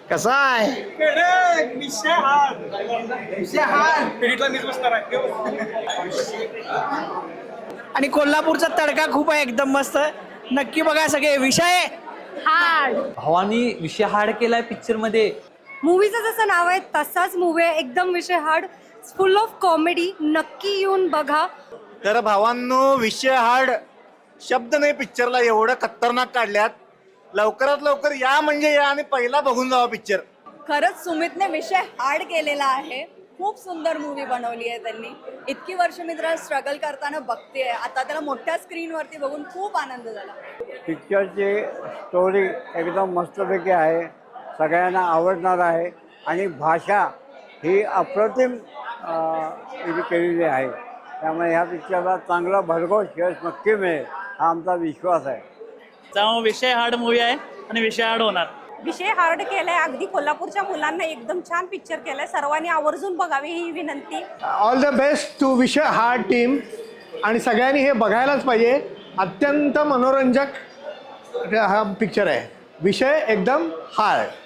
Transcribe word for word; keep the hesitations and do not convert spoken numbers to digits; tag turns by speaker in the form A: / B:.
A: कसा आहे? आणि कोल्हापूरचा तडका खूप आहे, एकदम मस्त. नक्की बघा सगळे. विषय
B: हार्ड.
C: भावानी विषय हार्ड केलाय पिक्चर मध्ये.
B: मूवीचं जसं नाव आहे तसाच मूवी आहे, एकदम विषय हार्ड, फुल ऑफ कॉमेडी. नक्की येऊन बघा.
A: तर भावांनो, विषय हार्ड शब्द नाही पिक्चरला, एवढं खतरनाक काढल्यात. लवकरात लवकर या म्हणजे या आणि पहिला बघून जावा पिक्चर.
D: खरंच सुमितने विषय हार्ड केलेला आहे. खूप सुंदर मूवी बनवली आहे त्यांनी. इतकी वर्ष मी त्याला स्ट्रगल करताना बघतेय, आता त्याला मोठ्या स्क्रीनवरती बघून खूप आनंद झाला.
E: पिक्चरची स्टोरी एकदम मस्तपैकी आहे, सगळ्यांना आवडणार आहे आणि भाषा ही अप्रतिम अं, केलेली आहे. त्यामुळे ह्या पिक्चरला चांगला भरघोस यश नक्की मिळेल हा आमचा विश्वास आहे.
F: त्यामुळे विषय हार्ड मूवी आहे आणि विषय हार्ड होणार.
B: विषय हार्ड केलाय, अगदी कोल्हापूरच्या मुलांना एकदम छान पिक्चर केलाय. सर्वांनी आवर्जून बघावी ही विनंती.
G: ऑल द बेस्ट टू विषय हार्ड टीम. आणि सगळ्यांनी हे बघायलाच पाहिजे. अत्यंत मनोरंजक हा पिक्चर आहे. विषय एकदम हार्ड.